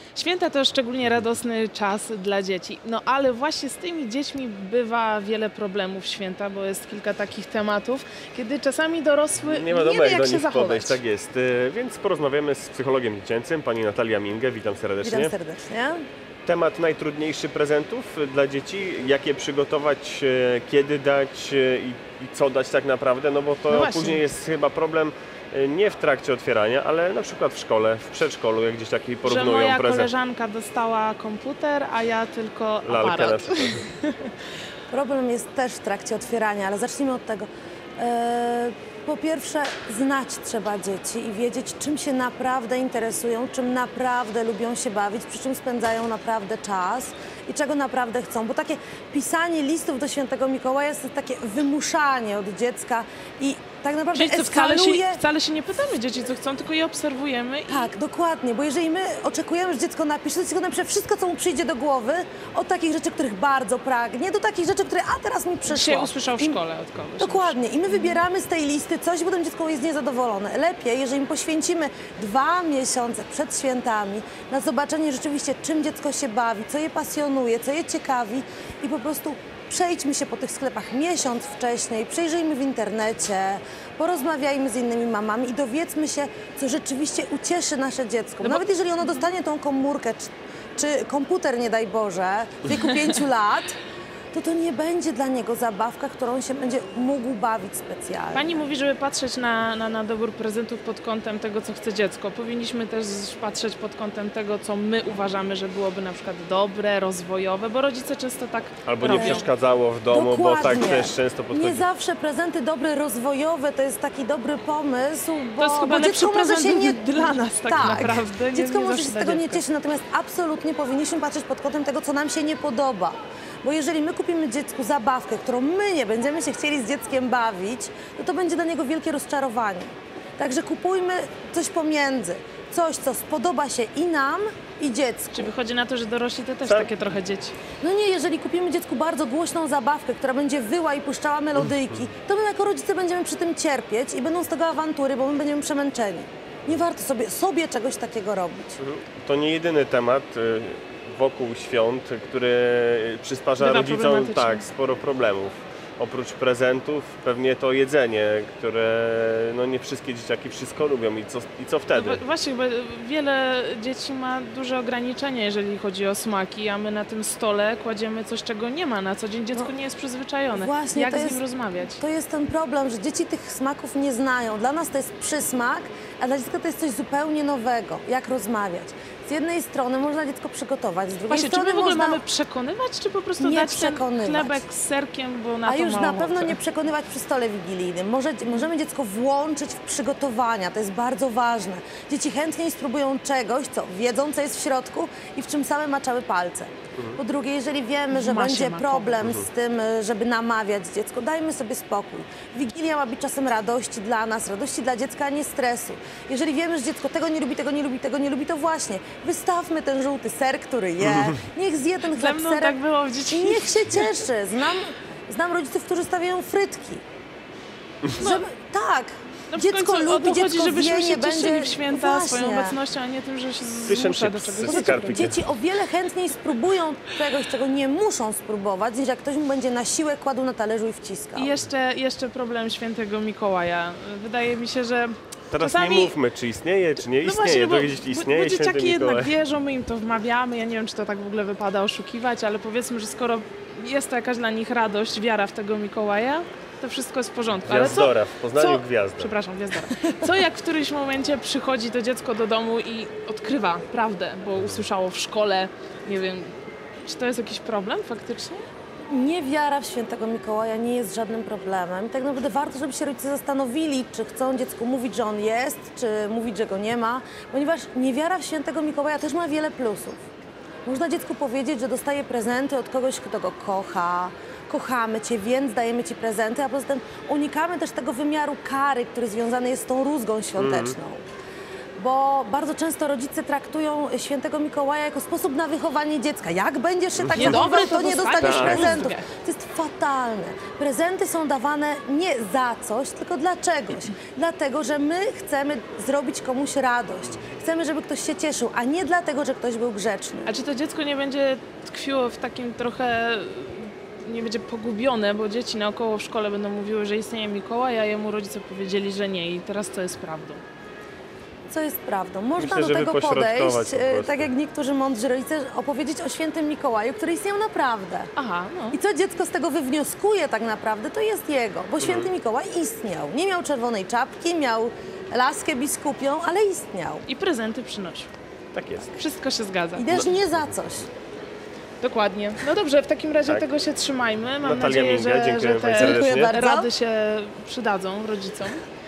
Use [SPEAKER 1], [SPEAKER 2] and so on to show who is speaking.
[SPEAKER 1] Święta to szczególnie radosny czas dla dzieci. No ale właśnie z tymi dziećmi bywa wiele problemów w święta, bo jest kilka takich tematów, kiedy czasami dorosły
[SPEAKER 2] nie wiadomo,
[SPEAKER 1] wie,
[SPEAKER 2] jak
[SPEAKER 1] jak
[SPEAKER 2] do
[SPEAKER 1] się
[SPEAKER 2] nich
[SPEAKER 1] zachować.
[SPEAKER 2] podejść, tak jest. Więc porozmawiamy z psychologiem dziecięcym, pani Natalia Mingę. Witam serdecznie.
[SPEAKER 3] Witam serdecznie.
[SPEAKER 2] Temat najtrudniejszych prezentów dla dzieci, jakie przygotować, kiedy dać i co dać tak naprawdę, no bo to później jest chyba problem nie w trakcie otwierania, ale na przykład w szkole, w przedszkolu, jak gdzieś taki porównują
[SPEAKER 1] prezent. Że moja
[SPEAKER 2] prezent.
[SPEAKER 1] koleżanka dostała komputer, a ja tylko
[SPEAKER 2] Lalkę
[SPEAKER 1] aparat.
[SPEAKER 2] na przykład.
[SPEAKER 3] Problem jest też w trakcie otwierania, ale zacznijmy od tego. Po pierwsze, znać trzeba dzieci i wiedzieć, czym się naprawdę interesują, czym naprawdę lubią się bawić, przy czym spędzają naprawdę czas i czego naprawdę chcą. Bo takie pisanie listów do Świętego Mikołaja jest takie wymuszanie od dziecka i tak naprawdę
[SPEAKER 1] Czyli
[SPEAKER 3] eskaluje...
[SPEAKER 1] wcale się nie pytamy dzieci, co chcą, tylko je obserwujemy.
[SPEAKER 3] Tak, dokładnie, bo jeżeli my oczekujemy, że dziecko napisze, to dziecko napisze wszystko, co mu przyjdzie do głowy, od takich rzeczy, których bardzo pragnie, do takich rzeczy, które teraz mi przyszło.
[SPEAKER 1] Dzisiaj usłyszał w szkole od kogoś.
[SPEAKER 3] Dokładnie. I my wybieramy z tej listy coś, potem dziecko jest niezadowolone. Lepiej, jeżeli poświęcimy 2 miesiące przed świętami na zobaczenie rzeczywiście, czym dziecko się bawi, co je pasjonuje, co je ciekawi i po prostu przejdźmy się po tych sklepach miesiąc wcześniej, przejrzyjmy w internecie, porozmawiajmy z innymi mamami i dowiedzmy się, co rzeczywiście ucieszy nasze dziecko.
[SPEAKER 1] No
[SPEAKER 3] Nawet jeżeli ono dostanie tą komórkę czy komputer, nie daj Boże, w wieku 5 lat, to nie będzie dla niego zabawka, którą się będzie mógł bawić specjalnie.
[SPEAKER 1] Pani mówi, żeby patrzeć na dobór prezentów pod kątem tego, co chce dziecko. Powinniśmy też patrzeć pod kątem tego, co my uważamy, że byłoby na przykład dobre, rozwojowe, bo rodzice często tak
[SPEAKER 2] Albo
[SPEAKER 1] robią.
[SPEAKER 2] nie przeszkadzało w domu,
[SPEAKER 3] Dokładnie.
[SPEAKER 2] bo tak też często podchodzi.
[SPEAKER 3] Nie zawsze prezenty dobre, rozwojowe to jest taki dobry pomysł, bo,
[SPEAKER 1] To jest chyba
[SPEAKER 3] bo
[SPEAKER 1] lepszy
[SPEAKER 3] dziecko może
[SPEAKER 1] prezent
[SPEAKER 3] się nie...
[SPEAKER 1] dla nas tak naprawdę.
[SPEAKER 3] Dziecko może się
[SPEAKER 1] zawsze
[SPEAKER 3] z
[SPEAKER 1] dla
[SPEAKER 3] tego nie
[SPEAKER 1] dziecka.
[SPEAKER 3] cieszyć, natomiast absolutnie powinniśmy patrzeć pod kątem tego, co nam się nie podoba. Bo jeżeli my kupimy dziecku zabawkę, którą my nie będziemy się chcieli z dzieckiem bawić, to będzie dla niego wielkie rozczarowanie. Także kupujmy coś pomiędzy. Coś, co spodoba się i nam, i dziecku.
[SPEAKER 1] Czy wychodzi na to, że dorośli to też
[SPEAKER 2] Tak.
[SPEAKER 1] takie trochę dzieci?
[SPEAKER 3] No nie, jeżeli kupimy dziecku bardzo głośną zabawkę, która będzie wyła i puszczała melodyjki, to my jako rodzice będziemy przy tym cierpieć i będą z tego awantury, bo my będziemy przemęczeni. Nie warto sobie czegoś takiego robić.
[SPEAKER 2] To nie jedyny temat wokół świąt, który przysparza
[SPEAKER 1] Bywa
[SPEAKER 2] rodzicom
[SPEAKER 1] problematyczny.
[SPEAKER 2] sporo problemów. Oprócz prezentów pewnie to jedzenie, które no nie wszystkie dzieciaki wszystko lubią i co wtedy?
[SPEAKER 1] No właśnie, bo wiele dzieci ma duże ograniczenia, jeżeli chodzi o smaki, a my na tym stole kładziemy coś, czego nie ma na co dzień. Dziecko nie jest przyzwyczajone.
[SPEAKER 3] Właśnie,
[SPEAKER 1] Jak
[SPEAKER 3] to
[SPEAKER 1] z nim
[SPEAKER 3] jest-
[SPEAKER 1] rozmawiać?
[SPEAKER 3] To jest ten problem, że dzieci tych smaków nie znają. Dla nas to jest przysmak, a dla dziecka to jest coś zupełnie nowego. Jak rozmawiać? Z jednej strony można dziecko przygotować, z drugiej
[SPEAKER 1] Właśnie, czy
[SPEAKER 3] strony
[SPEAKER 1] my w ogóle
[SPEAKER 3] można...
[SPEAKER 1] mamy przekonywać, czy po prostu
[SPEAKER 3] Nie
[SPEAKER 1] dać ten
[SPEAKER 3] przekonywać.
[SPEAKER 1] chlebek z serkiem, bo na
[SPEAKER 3] A
[SPEAKER 1] to
[SPEAKER 3] już
[SPEAKER 1] ma
[SPEAKER 3] na
[SPEAKER 1] ochotę.
[SPEAKER 3] pewno nie przekonywać przy stole wigilijnym. Możemy dziecko włączyć w przygotowania, to jest bardzo ważne. Dzieci chętniej spróbują czegoś, co wiedzą, co jest w środku i w czym same maczały palce. Po drugie, jeżeli wiemy, że
[SPEAKER 1] masie
[SPEAKER 3] będzie
[SPEAKER 1] makowej.
[SPEAKER 3] problem z tym, żeby namawiać dziecko, dajmy sobie spokój. Wigilia ma być czasem radości dla nas, radości dla dziecka, a nie stresu. Jeżeli wiemy, że dziecko tego nie lubi, tego nie lubi, tego nie lubi, to właśnie wystawmy ten żółty ser, który je. Niech zje ten
[SPEAKER 1] Ze
[SPEAKER 3] chleb z
[SPEAKER 1] mną
[SPEAKER 3] serem
[SPEAKER 1] tak było w
[SPEAKER 3] i
[SPEAKER 1] dzieciństwie.
[SPEAKER 3] niech się cieszy. Znam rodziców, którzy stawiają frytki. Żeby, tak.
[SPEAKER 1] No w
[SPEAKER 3] Dziecko
[SPEAKER 1] końcu o
[SPEAKER 3] lubi,
[SPEAKER 1] to chodzi,
[SPEAKER 3] dziecko
[SPEAKER 1] żebyśmy
[SPEAKER 3] wie,
[SPEAKER 1] się
[SPEAKER 3] nie
[SPEAKER 1] cieszyli
[SPEAKER 3] będzie...
[SPEAKER 1] w święta swoją
[SPEAKER 3] Właśnie.
[SPEAKER 1] obecnością, a nie tym, że się
[SPEAKER 2] Fish and
[SPEAKER 1] zmusza do
[SPEAKER 2] chips
[SPEAKER 1] czegoś.
[SPEAKER 2] z skarpikiem.
[SPEAKER 3] Dzieci o wiele chętniej spróbują czegoś, czego nie muszą spróbować, niż jak ktoś mu będzie na siłę kładł na talerzu i wciskał.
[SPEAKER 1] I jeszcze problem świętego Mikołaja. Wydaje mi się, że
[SPEAKER 2] Teraz
[SPEAKER 1] czasami...
[SPEAKER 2] nie mówmy, czy istnieje, czy nie
[SPEAKER 1] No
[SPEAKER 2] istnieje.
[SPEAKER 1] właśnie,
[SPEAKER 2] Drogie dzieci, istnieje
[SPEAKER 1] bo
[SPEAKER 2] Święty
[SPEAKER 1] dzieciaki jednak
[SPEAKER 2] Mikołaj.
[SPEAKER 1] wierzą, my im to wmawiamy. Ja nie wiem, czy to tak w ogóle wypada oszukiwać, ale powiedzmy, że skoro jest to jakaś dla nich radość, wiara w tego Mikołaja, to wszystko jest w porządku.
[SPEAKER 2] Gwiazdora, w Poznaniu
[SPEAKER 1] co,
[SPEAKER 2] gwiazda.
[SPEAKER 1] Przepraszam, gwiazdora. Co jak w którymś momencie przychodzi to dziecko do domu i odkrywa prawdę, bo usłyszało w szkole, nie wiem, czy to jest jakiś problem faktycznie?
[SPEAKER 3] Niewiara w Świętego Mikołaja nie jest żadnym problemem. I tak naprawdę warto, żeby się rodzice zastanowili, czy chcą dziecku mówić, że on jest, czy mówić, że go nie ma, ponieważ niewiara w Świętego Mikołaja też ma wiele plusów. Można dziecku powiedzieć, że dostaje prezenty od kogoś, kto go kocha, kochamy Cię, więc dajemy Ci prezenty, a poza tym unikamy też tego wymiaru kary, który związany jest z tą rózgą świąteczną. Bo bardzo często rodzice traktują Świętego Mikołaja jako sposób na wychowanie dziecka. Jak będziesz się tak
[SPEAKER 1] Niedobry,
[SPEAKER 3] zachował,
[SPEAKER 1] to
[SPEAKER 3] to nie
[SPEAKER 1] dostaniesz
[SPEAKER 3] dostaniesz prezentów.
[SPEAKER 1] rózgę.
[SPEAKER 3] To jest fatalne. Prezenty są dawane nie za coś, tylko dla czegoś. Dlatego, że my chcemy zrobić komuś radość. Chcemy, żeby ktoś się cieszył, a nie dlatego, że ktoś był grzeczny.
[SPEAKER 1] A czy to dziecko nie będzie tkwiło w takim trochę, nie będzie pogubione, bo dzieci naokoło w szkole będą mówiły, że istnieje Mikołaj, a jemu rodzice powiedzieli, że nie i teraz co jest prawdą?
[SPEAKER 3] Co jest prawdą? Można
[SPEAKER 2] Myślę,
[SPEAKER 3] do
[SPEAKER 2] żeby
[SPEAKER 3] tego
[SPEAKER 2] pośrodkować
[SPEAKER 3] podejść,
[SPEAKER 2] po prostu.
[SPEAKER 3] tak jak niektórzy mądrzy rodzice, opowiedzieć o świętym Mikołaju, który istniał naprawdę.
[SPEAKER 1] Aha, no.
[SPEAKER 3] I co dziecko z tego wywnioskuje tak naprawdę, to jest jego, bo święty Mikołaj istniał. Nie miał czerwonej czapki, miał laskę biskupią, ale istniał.
[SPEAKER 1] I prezenty przynosił.
[SPEAKER 2] Tak jest.
[SPEAKER 1] Wszystko się zgadza.
[SPEAKER 3] I też nie za coś.
[SPEAKER 1] Dokładnie. No dobrze, w takim razie
[SPEAKER 2] Tak.
[SPEAKER 1] tego się trzymajmy. Mam
[SPEAKER 2] Natalia
[SPEAKER 1] nadzieję,
[SPEAKER 2] Minga,
[SPEAKER 1] że
[SPEAKER 2] dziękuję
[SPEAKER 1] te
[SPEAKER 2] Pani serdecznie.
[SPEAKER 3] Dziękuję bardzo.
[SPEAKER 1] rady się przydadzą rodzicom.